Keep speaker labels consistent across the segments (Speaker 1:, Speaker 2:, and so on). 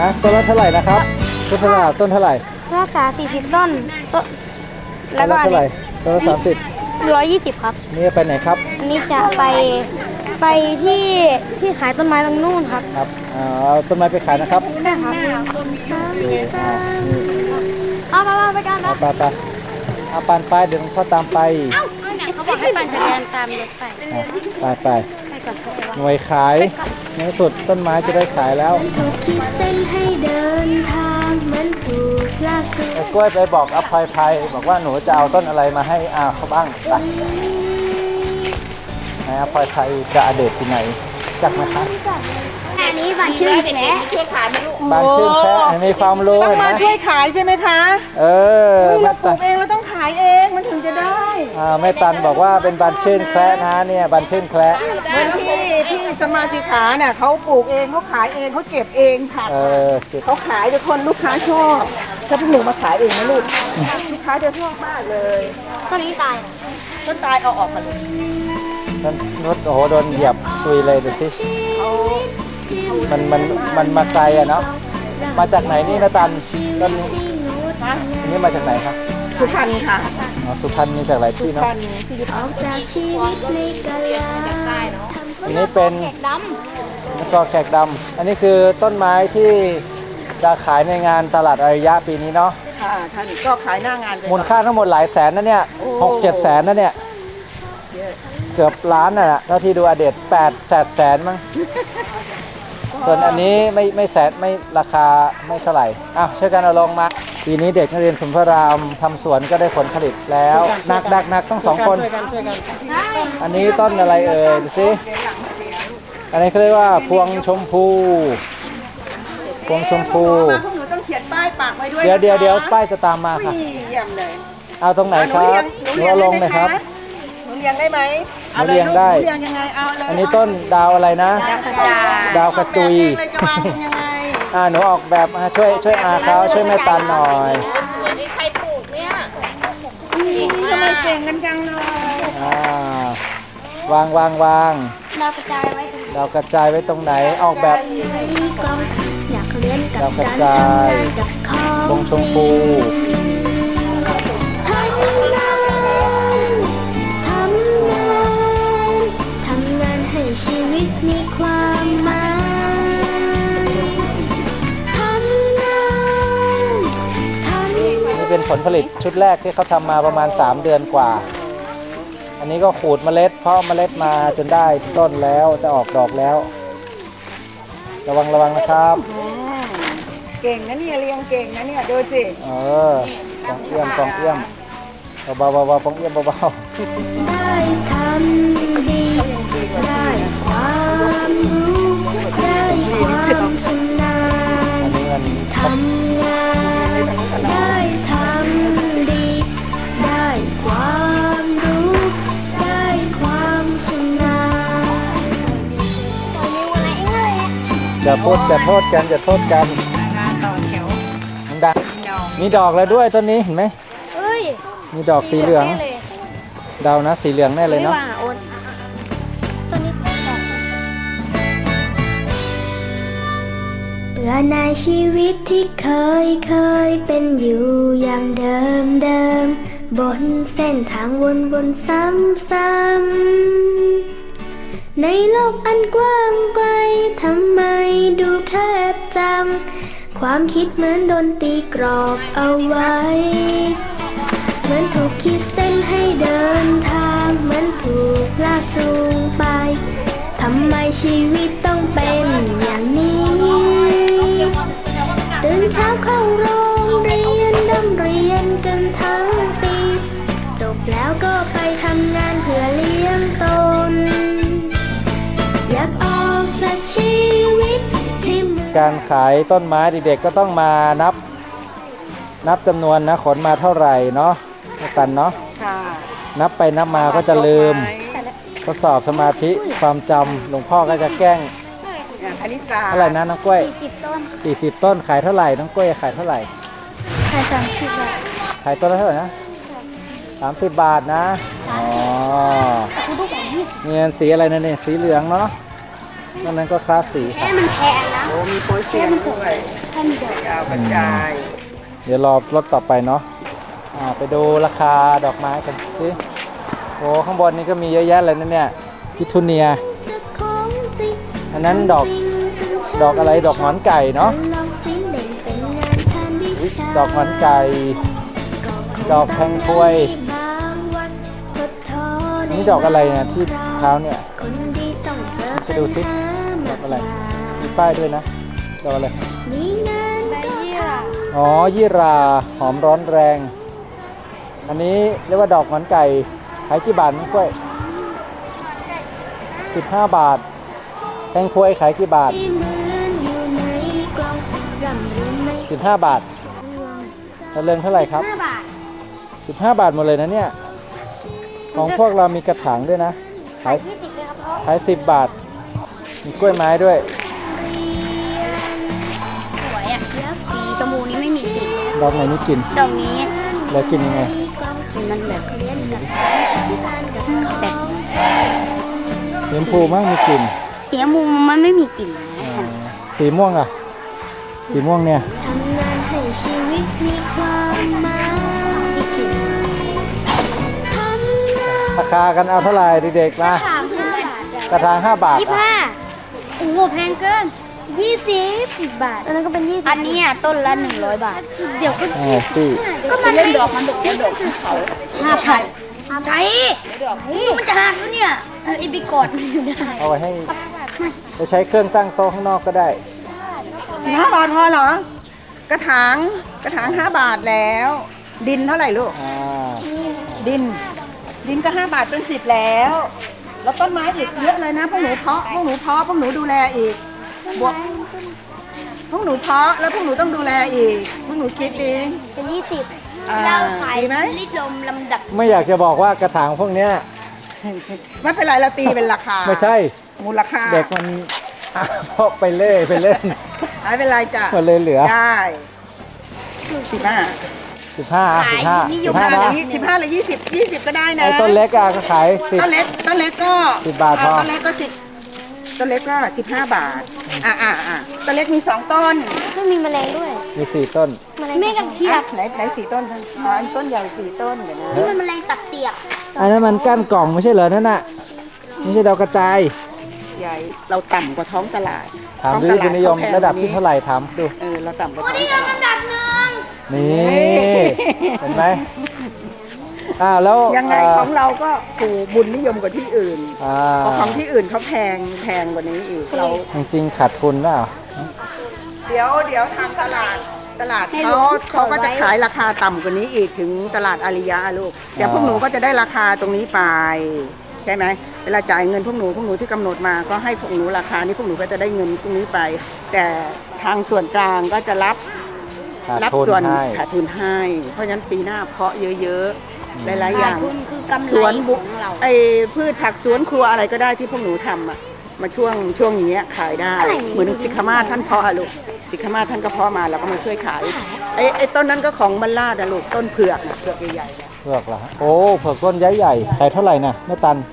Speaker 1: ต้นละเท่าไหร่นะครับต้นเท่าไหร่ต้นเท่าไหร่
Speaker 2: รักษา40 ต้นแล้วก็
Speaker 1: เท่าไหร่ต้นละ
Speaker 2: 120 ครับ
Speaker 1: นี่ไปไหนครับ
Speaker 2: อันนี้จะไปที่ขายต้นไม้ตรงนู่นครับ
Speaker 1: ครับต้นไม้ไปขายนะครับ
Speaker 2: ใช่ครับไปกันนะ
Speaker 1: ไปปั่นไปเดี๋ยวต้องเข้าตามไป
Speaker 2: เขาบอกให้ปั่นจักรยานตามรถ
Speaker 1: ไปหน่วยขายในสุดต้นไม้จะได้ขายแล้ว
Speaker 3: ถูกขีดเส้นให้เดินทางเหมือนถูกลากจูง
Speaker 1: กล้วยไปบอกอภัยบอกว่าหนูจะเอาต้นอะไรมาให้เขาบ้างไปไหนอภัยจะอเดชที่ไหนจักไหมคะ
Speaker 2: อันนี้บ้านชื่อแพะ
Speaker 1: บ้านชื่อแพะมีความรู้
Speaker 4: ต้องมาช่วยขายใช่ไหมคะเราปลูกเองเราต้องขายเองมันถึงจะได้
Speaker 1: แม่ตันบอกว่าเป็นบ้านชื่นแพะนะเนี่ยบ้านชื่นแพะ
Speaker 4: เหมือนที่สมาชิกขาเนี่ยเขาปลูกเองเขาขายเองเขาเก็บเองค่ะเขาขายแต่คนลูกค้าชอบถ้าพวกหนูมาขายเองนะลูกจะชอบมากเลย
Speaker 2: ต้นนี้ตาย
Speaker 4: เอาออกมาเลย
Speaker 1: รถโอ้โหโดนเหยียบตุยเลยดูสิมันมาไกลเนาะมาจากไหนนี่นะตันต้นนี้นี่มาจากไหนครับ
Speaker 4: สุพรรณค่ะ
Speaker 1: สุพรรณมีจากหลายที่เนาะอันนี้เป็นแล้วก็แขกดำอันนี้คือต้นไม้ที่จะขายในงานตลาดอารยะปีนี้เนาะ
Speaker 4: ค่ะท่านก็ขายหน้างาน
Speaker 1: มูลค่าทั้งหมดหลายแสนนะเนี่ย6-7 แสนนะเนี่ยเกือบล้านน่ะเท่าที่ดูอเดต8 แสนมั้งส่วนอันนี้ไม่แสนไม่ราคาไม่เท่าไหร่ช่วยกันเอาลงมาปีนี้เด็กนักเรียนสมภารามทำสวนก็ได้ผลผลิตแล้วหนักต้อง2 คนอันนี้ต้นอะไรดูสิอันนี้เขาเรียกว่าพวงชมพู
Speaker 4: พวงหนูต้องเขียนป้ายปักไว้ด้วย
Speaker 1: เดี๋ยวป้ายจะตามมาค่ะ
Speaker 4: เยี่ยมเลย
Speaker 1: เอาตรงไหนครับหนูเอาลงเลยครับ
Speaker 4: หนูเรียงได้ไหม
Speaker 1: หนูเรียงได้อันนี้ต้นดาวอะไรนะดาวกระจุยหนูออกแบบช่วยเขาช่วยแม่ตันหน่อย
Speaker 4: ใครปลูกเนี่ยทำไมเก่งกันจังเลย
Speaker 1: วาง
Speaker 2: ดาวกระจายไว้
Speaker 1: ตรงไหนออกแบบดาวกระจายตรงชมพู
Speaker 3: ชีวิตมีความหมาย
Speaker 1: นี่เป็นผลผลิตชุดแรกที่เขาทำมาประมาณ3 เดือนกว่าอันนี้ก็ขูดเมล็ดเพาะเมล็ดมาจนได้ต้นแล้วจะออกดอกแล้วระวังนะครับ
Speaker 4: เก่งนะเนี่ยเรียงเก่งนะเนี่ยดูสิ
Speaker 1: กองเอี้ยมเบาๆกองเอี้ยมเบา
Speaker 3: ได้ทำดีได้ความรู้ได้ความชำนาญทำงานได้ทำดีได้ความรู้ได้ความชำนาญ
Speaker 1: อย่าโทษกันต่อแถวดังมีดอกแล้วด้วยต้นนี้เห็นไหมมีดอกสีเหลืองดาวนะสีเหลืองแน่เลยเนาะ
Speaker 3: เบื่อในชีวิตที่เคยเป็นอยู่อย่างเดิมบนเส้นทางวนซ้ำๆในโลกอันกว้างไกลทำไมดูแคบจังความคิดเหมือนโดนตีกรอบเอาไว้เหมือนถูกขีดเส้นให้เดินทางเหมือนถูกลากจูงไปทำไมชีวิตต้องเป็นอย่างนี้ตื่นเช้าเข้าโรงเรียนร่ำเรียนกันทั้งปีจบแล้วก็ไปทำงานเพื่อเลี้ยงตนอยากออกจากชีวิตที่
Speaker 1: การขายต้นไม้เด็กๆก็ต้องมานับจำนวนนะขนมาเท่าไหร่เนาะตันเนาะนับไปนับมาก็จะลืมทดสอบสมาธิความจำหลวงพ่อก็จะแกล้งเท่าไหร่นะน้องกล้วย40 ต้นขายเท่าไหร่น้องกล้วยขายเท่าไหร่
Speaker 2: ขาย30 บาท
Speaker 1: ขายต้นละเท่าไหร่นะ30 บาทนะเงินสีอะไรนะเนี่ยสีเหลืองเนาะนอกนั้นก็คลาสสี
Speaker 2: แค่มันแพงนะ
Speaker 4: โอ้มีโปรเซียนด้วย
Speaker 2: แค่มันเดียวย
Speaker 4: าวกระจาย
Speaker 1: เดี๋ยวรอรถต่อไปเนาะไปดูราคาดอกไม้กันสิโอ้ข้างบนนี้ก็มีเยอะแยะเลยนะเนี่ยพิทูเนีย
Speaker 3: จะของจริง
Speaker 1: อันนั้นดอกอะไรดอกหงอนไก่เนาะ
Speaker 3: ลองสิเล่นเป็นงานชาญวิ
Speaker 1: อุ๊ย
Speaker 3: ชา
Speaker 1: ดอกหงอนไก่ ดอกแพงพวย
Speaker 3: บางวันทดท้อใน
Speaker 1: นี่ดอกอะไรเนี่ยที่เท้าเนี่ย
Speaker 3: คนดีต้องเจอ
Speaker 1: ไปดูสิดอกอะไรมีป้ายด้วยนะดอกอะไร
Speaker 3: มีงาน
Speaker 2: ใบ
Speaker 3: ก็
Speaker 2: ยี่หร่า
Speaker 1: อ๋อยี่ราหอมร้อนแรง อันนี้เรียกว่าดอกหงอนไก่ขายกี่บาทน้องกล้วย15 บาทแตงพวยขายกี่บาท
Speaker 3: ที่เหมือนอยู่ในกล่องร่ำเรียนไม่
Speaker 1: 15 บาทตะเลิงเท่าไหร่ครับ
Speaker 2: 5 บาท
Speaker 1: 15 บาทหมดเลยนะเนี่ยของพวกเรามีกระถางด้วยนะขาย
Speaker 2: 20เลยครับพ่อ
Speaker 1: ขาย10 บาทมีกล้วยไม้ด้วย
Speaker 2: สวยอ่ะสีชมพูนี้ไม่มีกลิ่น
Speaker 1: ดอกไหนมีกลิ่น
Speaker 2: ดอกนี้
Speaker 1: แล้วกินยังไง
Speaker 2: มันแบบ แบบ
Speaker 1: สีชมพูมากมีกลิ่น
Speaker 2: สีชมพูมันไม่มีกลิ่นนะ
Speaker 1: สีม่วงอ่ะสีม่วงเนี่ย
Speaker 3: ทำงานให้ชีวิตมีความหมายทำงาน
Speaker 1: ราคากันเอาเท่าไหร่เด็กๆมาก
Speaker 2: ถาม5 บาท
Speaker 1: กระถาง5 บาทอ่ะ
Speaker 2: 25โอ้โหแพงเกิน10 บาท อันนั้นก็เป็น20อันนี้ต้นละ100 บาท เดี๋ยวก็
Speaker 1: อ๋อพี่
Speaker 2: ก็มันเล่นดอกมันดอกเขา5,000ใช่มันจะหักแล้วเนี่ยไอ้บิกอดมันอยู่ได้
Speaker 1: เอาไว้ให้ไปใช้เครื่องตั้งโต๊ะข้างนอกก็ได้
Speaker 4: 15 บาทพอเหรอ กระถาง5 บาทแล้ว ดินเท่าไหร่ลูก ดินก็5 บาทเป็น10แล้ว แล้วต้นไม้อีกเยอะเลยนะพวกหนูเพาะพวกหนูดูแลอีกบวกพวกหนูเพาะแล้วพวกหนูต้องดูแลอีกพวกหนูคิดเอง
Speaker 2: เป็น20
Speaker 4: อ่า
Speaker 2: เราขาย
Speaker 4: ดีไหม
Speaker 2: ลิตรลมลำดับ
Speaker 1: ไม่อยากจะบอกว่ากระถางพวกเนี้ย
Speaker 4: ไม่เป็นไรเราตีเป็นราคา
Speaker 1: ไม่ใช่
Speaker 4: มูลค่า
Speaker 1: เด็กมัน เพราะไปเล่ไปเล่น
Speaker 4: ไม่เป็นไรจ้ะ
Speaker 1: มันเลยเหลือ
Speaker 4: ได้15
Speaker 1: 15นะ
Speaker 4: 15หรือ20ก็ได้นะ
Speaker 1: ไอ้ต้นเล็กอ่ะก็ขาย
Speaker 4: ต้นเล็กก็
Speaker 1: 10 บาทพอ
Speaker 4: ต้นเล็กก็ต้นเล็กก็15 บาทต้นเล็กมี2ต้น
Speaker 2: ไม่มีแมลงด้วย
Speaker 1: มี4 ต้น
Speaker 2: แม่กับเขียด
Speaker 4: ไหน4ต้นอันต้นใหญ่4ต้นเดี๋ยวนะ
Speaker 2: นี่มันแมลงตับเตียก
Speaker 1: อันนั้นมันก้านกล่องไม่ใช่เหรอนั่นน่ะไม่ใช่ดาวกระจาย
Speaker 4: ใหญ่เราต่ำกว่าท้องตลาด
Speaker 1: ถาม
Speaker 4: ท้อง
Speaker 1: ดู
Speaker 4: ตลา
Speaker 1: คุณนิยม
Speaker 4: ขแพง
Speaker 1: ระดับ
Speaker 4: กว่
Speaker 1: ที่เท่าไหร่ถามดู
Speaker 4: เราต่ำกว่าท้อง
Speaker 2: นี่
Speaker 4: ต
Speaker 2: เรา
Speaker 4: ลาด
Speaker 2: ลำดับหนึ่ง
Speaker 1: นี่เห็นไหมแล้ว
Speaker 4: ยังไงของเราก็ถูกบุญนิยมกว่าที่อื่น
Speaker 1: อ่า
Speaker 4: เพราะของที่อื่นเขาแพงกว่านี้อีกเรา
Speaker 1: จริงๆขาดทุนเปล่า
Speaker 4: เดี๋ยวทางตลาดเขาก็จะขายราคาต่ำกว่านี้อีกถึงตลาดอาริยะลูกเดี๋ยวพวกหนูก็จะได้ราคาตรงนี้ไปใช่ไหมเวลาจ่ายเงินพวกหนูที่กำหนดมาก็ให้พวกหนูราคานี้พวกหนูก็จะได้เงินตรงนี้ไป แต่ทางส่วนกลางก็จะรับ
Speaker 1: ขาดทุน
Speaker 4: ส่วน
Speaker 1: ให้
Speaker 4: ขาดทุนให้ เพราะฉะนั้นปีหน้าเพาะเยอะๆหลายๆอ
Speaker 2: ขาด
Speaker 4: ย่าง
Speaker 2: ทุนคือกำไร
Speaker 4: สวน
Speaker 2: ข
Speaker 4: บุ
Speaker 2: องเรา
Speaker 4: ไอพืชผักสวนครัวอะไรก็ได้ที่พวกหนูทำอ่ะมาช่วงอย่างเงี้ยขายได้ เหมือนสิกขามาศท่านเพาะอะลูกสิกขามาศท่านก็เพาะมาเราก็มาช่วยขายไอต้นนั้นก็ของบรรลาดอะลูกต้นเผือกนะเผือกใหญ่ๆนะ
Speaker 1: เผือกเหรอฮะโอ้เผือกต้นใหญ่ๆขายเท่าไหร่น่ะแม่ตัน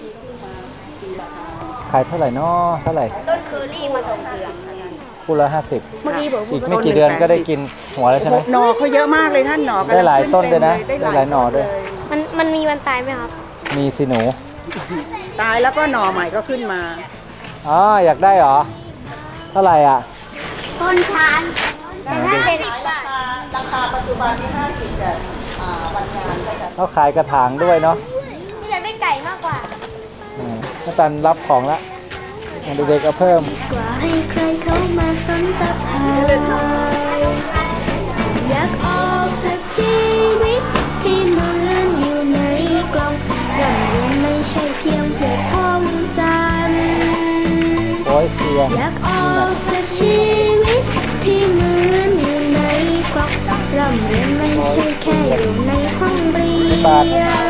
Speaker 1: ขายเท่าไหร่น้อเท่าไหร่
Speaker 2: ต้นเคอรี่มาส่งเดือน
Speaker 1: คู่ละ
Speaker 2: เมื่อกี้ผม
Speaker 1: 50อีกไม่กี่เดือนก็ได้กินหัวแล้วใช่ไหม
Speaker 4: หน่อเขาเยอะมากเลยท่านหน่อกำลัง
Speaker 1: ได้หลายต้นด้วยนะ
Speaker 4: ขึ้
Speaker 1: ได้หลายหน่อด้วย
Speaker 2: มันมีวันตายไหมครับ
Speaker 1: มีสิหนู
Speaker 4: ตายแล้วก็หน่อใหม่ก็ขึ้นมา
Speaker 1: อ๋ออยากได้เหรอเท่าไหร่อ่ะ
Speaker 2: ต้นชานแต่ถ้าเป็น
Speaker 4: ราคาปัจจุบันนี้50แต่วันงานก็จะ
Speaker 1: เขาขายกระถางด้วยเนาะ
Speaker 2: อยากได้ไก่มากกว่า
Speaker 1: แม่ตันรับของละเด็กๆก็เพิ่ม
Speaker 3: กว่าให้ใครเข้ามาสนตะภายอยากออกจากชีวิตที่เหมือนอยู่ในกล่องเรื่องเรียนไม่ใช่เพียงเพื่อท่องจำ
Speaker 1: โอ้ยเสีย
Speaker 3: อยากออกจากชีวิตที่เหมือนอยู่ในกล่องร่ำเรียนไม่ใช่แค่อยู่ในห้องเรียนอยาก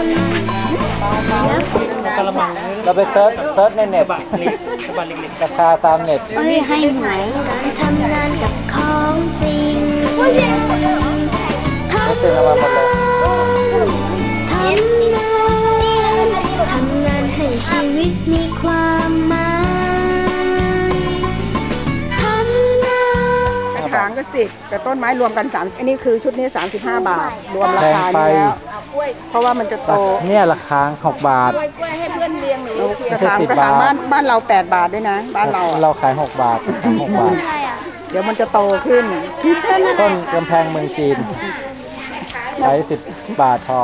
Speaker 1: เราไปเซิร์ชในเน็ตราคาตามเน็ต
Speaker 2: เอ้ยให้หวย
Speaker 3: การทำงานกับของจริง
Speaker 1: เขาเซ็นเอามาหมดเลย
Speaker 3: ทำงานให้ชีวิตมีความหมาย
Speaker 4: ก็10แต่ต้นไม้รวมกัน3อันนี้คือชุดนี้35 บาท รวมราคา
Speaker 1: แพงไป
Speaker 4: นี้แล้วเพราะว่ามันจะโต
Speaker 1: เนี่ยราคา6 บาท
Speaker 2: กล้วยให้เพื่อนเลี้ยงหนู
Speaker 4: กระ
Speaker 1: ไม่ใช่
Speaker 4: ถาง
Speaker 1: 10
Speaker 4: กระถาง
Speaker 1: บาท
Speaker 4: บ้านเรา8 บาทด้วยนะ บ้านเราอะ
Speaker 1: เราขาย6 บาทขาย6 บาท
Speaker 2: อะไรอ่ะ
Speaker 4: เดี๋ยวมันจะโตขึ้น
Speaker 1: ต้นกำแพงเมืองจีนขาย10 บาทพอ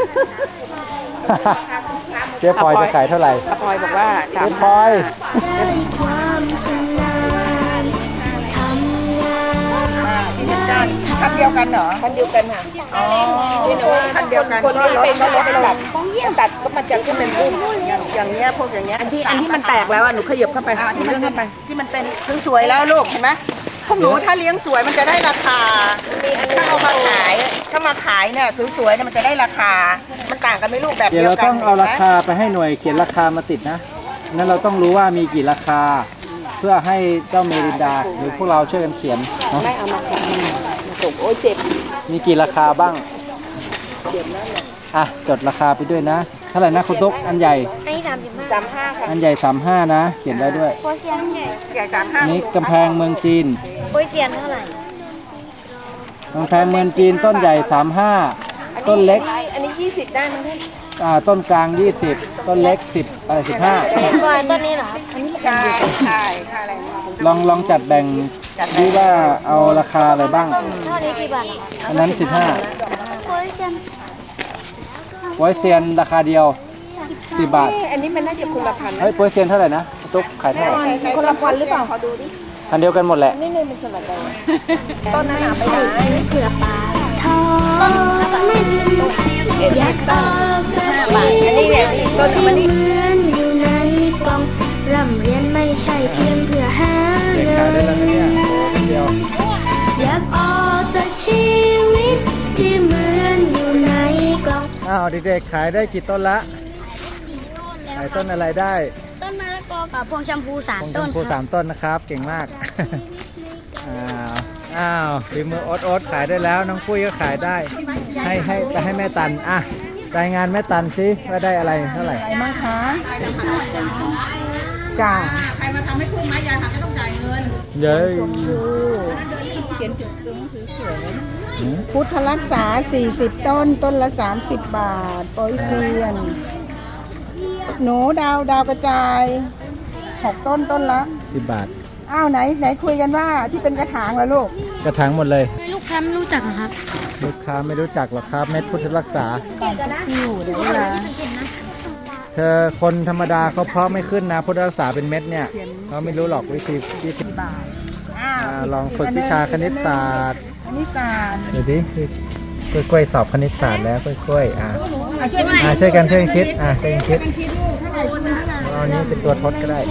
Speaker 1: เจ๊พลอยจะขายเท่าไหร่
Speaker 4: อาปอยบอกว่า
Speaker 1: เจ๊พลอย
Speaker 3: ได้ความชำนาญทำงาน
Speaker 4: คันเดียวกันเหรอ
Speaker 5: คันเดียวกันค่ะ
Speaker 4: อ๋อ
Speaker 5: นี่หนูว่า
Speaker 4: คันเดียวกัน
Speaker 5: คน
Speaker 4: ก็
Speaker 5: ที่
Speaker 4: ลด
Speaker 5: เป็น
Speaker 4: ก็ลด
Speaker 5: เป็น
Speaker 4: ล
Speaker 5: แบ
Speaker 4: ง
Speaker 5: บตัดก็มันจะขึ้นเป็นพุ่ม
Speaker 4: อย่างเงี้ยพวกอย่างเงี้ย
Speaker 5: อันที่มันแตกแล้วอ่ะหนูขยับเข้าไป
Speaker 4: ที่มันขึ้นไปที่มันเป็นสวยๆแล้วลูกเห็นไหมพวกหนูถ้าเลี้ยงสวยมันจะได้ราคาถ้าเอามาขายถ้ามาขายเนี่ยสวยๆเนี่ยมันจะได้ราคา มันต่างกันไหม่ลูกแบบ
Speaker 1: เดี๋ย
Speaker 4: เดี
Speaker 1: ว
Speaker 4: ยว
Speaker 1: เรา
Speaker 4: กัน
Speaker 1: ต้องเอารา
Speaker 4: ห็นไหม
Speaker 1: คาไปให้หน่วยเขียนราคามาติดนะนั้นเราต้องรู้ว่ามีกี่ราคา เพื่อให้เจ้าเมรินดาหรือพวกเราช่วยกันเขียนเนาะ
Speaker 5: ไม่เอามาขัดมาส่งโอ้ยเจ็บ
Speaker 1: มีกี่ราคาบ้างอ่ะจดราคาไปด้วยนะเท่าไหร่นะคุณตุ๊กอันใหญ่
Speaker 2: อันนี้35
Speaker 5: 35ค่ะ
Speaker 1: อันใหญ่35นะ เขียนได้ด้วย
Speaker 2: โปรเซียนใหญ่
Speaker 4: ใหญ่35
Speaker 1: อันนี้กำแพงเมืองจีน
Speaker 2: โปรเซียนเท่าไหร่
Speaker 1: กำแพงเมืองจีนต้นใหญ่35ต้นเล็ก
Speaker 5: อันนี้20ได้มั้งท่าน
Speaker 1: ต้นกลาง20ต้นเล็ก10อะไร15
Speaker 2: ตัวต้นนี้เหรอครับ
Speaker 4: ใช่ใช่ค่าอะไรนะ
Speaker 1: ลองจัดแบ่งดูว่าเอาราคาอะไรบ้าง
Speaker 2: ต้นเท่านี้กี่บาทเหรอครับ
Speaker 1: อันนั้น
Speaker 2: โปรเซียน
Speaker 1: 15ไว้เซียนราคาเดียว10 บาท
Speaker 5: อันนี้มันน่าจะคนละพัน
Speaker 1: เฮ้ยโปรเซียนเท่าไหร่นะตุ๊กขายเท่าไหร่
Speaker 5: คนละพันหรือเปล่าขอดูดิ
Speaker 1: อันเดียวกันหมดแหละ
Speaker 5: นี่เลยเป็นสลัดแดงต้นนั้นหนาไปไหน
Speaker 3: เพื่อปากท้องอยากออกจากชีวิตที่เหมือนอยู่ในกล่องร่ำเรียนไม่ใช่เพียงเพื่อหา
Speaker 1: เด็ก
Speaker 3: เงิ
Speaker 1: ขายได้
Speaker 3: น
Speaker 1: แล้วนะเนี่ยโอ้เดียว
Speaker 3: อยากออกจากชีวิตที่เหมือนอยู่ในกล่อง
Speaker 1: อ้าวเด็กๆขายได้กี่ต้นละขายต้นอะไรได้
Speaker 2: ต้นมะละกอกับพวงชมพู
Speaker 1: คง
Speaker 2: 3
Speaker 1: ช
Speaker 2: ต้น
Speaker 1: มพู
Speaker 2: ครับ
Speaker 1: 3 ต้นนะครับ เก่งมาก อ้าวฝีมือโอ๊ตขายได้แล้วน้องปุ้ยก็ขายได้ให้แม่ตันอ่ะรายงานแม่ตันสิว่าได้อะไรเท่าไหร่
Speaker 4: อะไรมั้งคะจ้า
Speaker 1: เย้ย
Speaker 4: พุทธรักษา40 ต้นต้นละ30 บาทโปรยเซียน หนูดาวกระจาย6 ต้นต้นละ
Speaker 1: 10 บาท
Speaker 4: อ้าวไหนคุยกันว่าที่เป็นกระถางแล้วลูก
Speaker 1: กระถางหมดเลย
Speaker 2: ลูกค้าไม่รู้จักเหรอครับ
Speaker 1: ลูกค้าไม่รู้จักหรอกครับเม็ดพุทธรักษา เธอคนธรรมดาเขาเพาะไม่ขึ้นนะพุทธรักษาเป็นเม็ดเนี่ยเขาไม่รู้หรอกวิธี
Speaker 4: อ้าว
Speaker 1: ลองฝึกวิชาคณิตศาสตร์
Speaker 4: คณิตศาสตร์
Speaker 1: ดูดิกล้วยๆสอบคณิตศาสตร์แล้วกล้วยๆช่วยกันคิดช่วยกันคิด
Speaker 4: คิดลูกเท่าไหร่คุณเท่าไหร่
Speaker 1: เอาอันนี้เป็นตัวทดก็ได้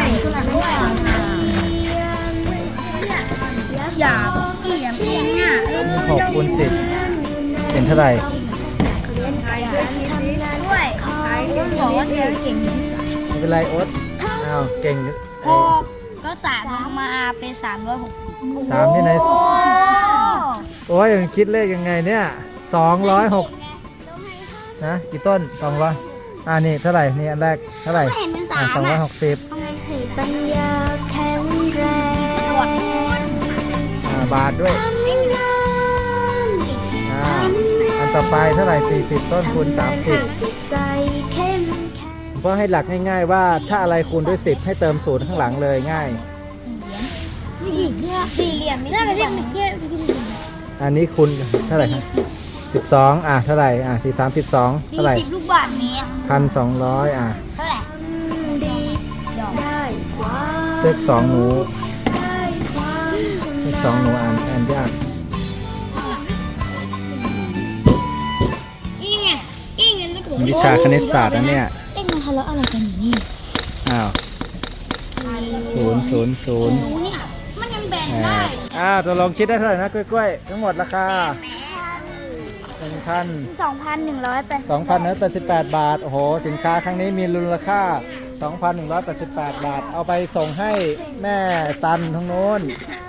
Speaker 2: อย่าเกี่ยมเองอ่ะ
Speaker 1: 6 คูณ 10เป็นเท่าไหร่
Speaker 2: ด้วยบอกว่าเธอเก่ง
Speaker 1: ไม่เป็นไรโอ๊ตอ้าวเก่ง
Speaker 2: 6ก็3ลงมาเป็น360
Speaker 1: 3ที่ไหนโอ้ยมันคิดเลขยังไงเนี่ย206นะกี่ต้น200นี่เท่าไหร่นี่อันแรกเท่าไหร่
Speaker 2: เห็นเป็น3
Speaker 1: 260
Speaker 3: ให้ปัญญาแข็งแรง
Speaker 1: บาทด้วยอันต่อไปเท่าไหร่40ต้นคูณ
Speaker 3: ให้จิตใจเข้มแข็ง
Speaker 1: 30ก็ให้หลักง่ายๆว่าถ้าอะไรคูณด้วย10ให้เติม0ข้างหลังเลยง่าย
Speaker 2: 4 เหลี่ยมนี่น่าจะเรียกเป็นเพื่อน
Speaker 1: อันนี้คูณเท่าไหร่ครับ12เท่าไหร่4 3 12เท่าไหร่
Speaker 2: 40 ลูกบาศก์เมตร
Speaker 1: 1,200
Speaker 2: เท่าไหร่
Speaker 3: ดีได้ความ
Speaker 1: เลข2หนู
Speaker 3: ได้ความ
Speaker 1: เลข
Speaker 3: ชำ
Speaker 1: 2หนู
Speaker 3: นาญ
Speaker 1: อ่านยาก
Speaker 2: นี่ไงนี่ไงแล้วก็บอก
Speaker 1: วิชาคณิตศาสตร์นะเนี่ย
Speaker 2: เอ็งมาทะเลาะอะไรกันอยู่นี่
Speaker 1: อ้าว000
Speaker 2: เนี่ยมันยังแบ่งได้
Speaker 1: จะลองคิดได้เท่าไหร่นะกล้วยๆทั้งหมดราคา 2,188 บาทโอ้โหสินค้าครั้งนี้มีมูลค่า 2,188 บาทเอาไปส่งให้แม่ตันทั้งโน้น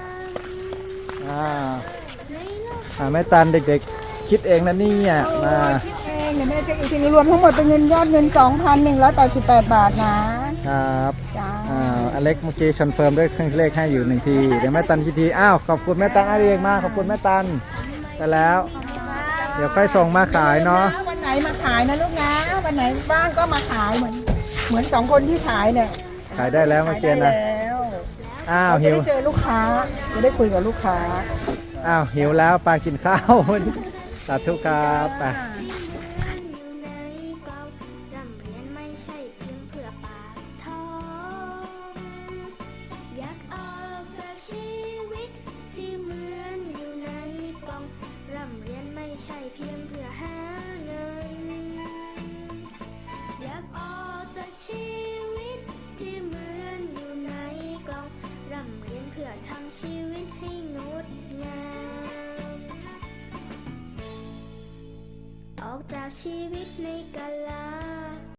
Speaker 1: แม่ตันเด็กๆคิดเองนะเนี่ยมา
Speaker 4: เดี๋ยวแม่เช็คอีกทีนึงรวมทั้งหมดเป็นเงินยอดเงิน 2,188 บาทนะครับ จ้า
Speaker 1: อันเล็กเมื่อกี้คอนเฟิร์มด้วยเครื่องเลขให้อยู่1 ทีเดี๋ยวแม่ตันกี่ทีอ้าวขอบคุณแม่ตันอาเรียกมาขอบคุณแม่ตันไปแล้ว เดี๋ยวค่อยส่งมาขายเนาะ
Speaker 4: วันไหนมาขายนะลูกนะวันไหนบ้างก็มาขายเหมือน2 คนที่ขายเนี่ย
Speaker 1: ขายได้แล้วเมื่อ
Speaker 4: ขาย
Speaker 1: กี้
Speaker 4: ได้
Speaker 1: นะ
Speaker 4: แล้ว
Speaker 1: อ้าว
Speaker 4: เราจะ
Speaker 1: หิว
Speaker 4: ได้เจอลูกค้าจะได้คุยกับลูกค้า
Speaker 1: อ้าวหิวแล้วปลากินข้าว สาธุครับไป
Speaker 3: อยู่ในกล่องร่ำเรียนไม่ใช่เพียงเพื่อปากท้องอยากออกจากชีวิตที่เหมือนอยู่ในกล่องร่ำเรียนไม่ใช่เพียงเพื่อหาเงินอยากออกจากชีวิตที่เหมือนอยู่ในกล่องร่ำเรียนเพื่อทำชีวิตให้งดงามออกจากชีวิตในกา